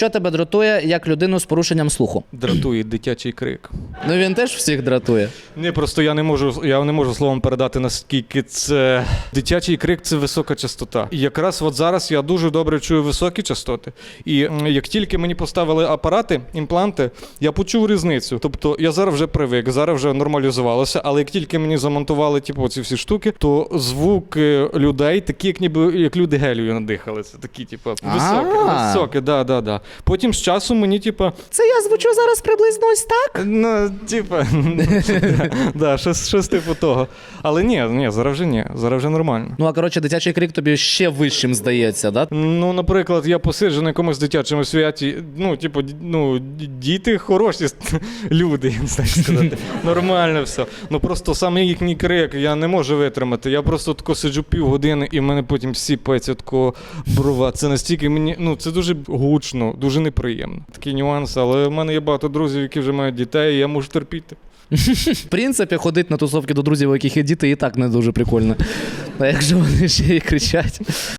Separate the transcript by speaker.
Speaker 1: що тебе дратує як людину з порушенням слуху?
Speaker 2: Дратує дитячий крик.
Speaker 1: Ну він теж всіх дратує.
Speaker 2: Ні, просто я не можу словом передати, наскільки це... Дитячий крик – це висока частота. І якраз от зараз я дуже добре чую високі частоти. І як тільки мені поставили апарати, імпланти, я почув різницю. Тобто я зараз вже привик, зараз вже нормалізувалося, але як тільки мені замонтували ці всі штуки, то звуки людей такі, як люди гелію надихали. Це такі, високі, да. Потім з часом мені,
Speaker 1: Це я звучу зараз приблизно ось так?
Speaker 2: щось типу того. Але ні, зараз вже нормально.
Speaker 1: Ну, а коротше, дитячий крик тобі ще вищим здається, да?
Speaker 2: Ну, наприклад, я посиджу на якомусь дитячому святі, діти хороші люди, я не знаю, як сказати. Нормально все. Ну, просто саме їхній крик я не можу витримати. Я просто тако сиджу півгодини, і в мене потім сіпається такого брова. Це настільки мені, це дуже гучно, дуже неприємно. Такий нюанс, але в мене є багато друзів, які вже мають дітей, і я можу терпіти.
Speaker 1: В принципі, ходити на тусовки до друзів, у яких є діти, і так не дуже прикольно. А якщо вони ще й кричать.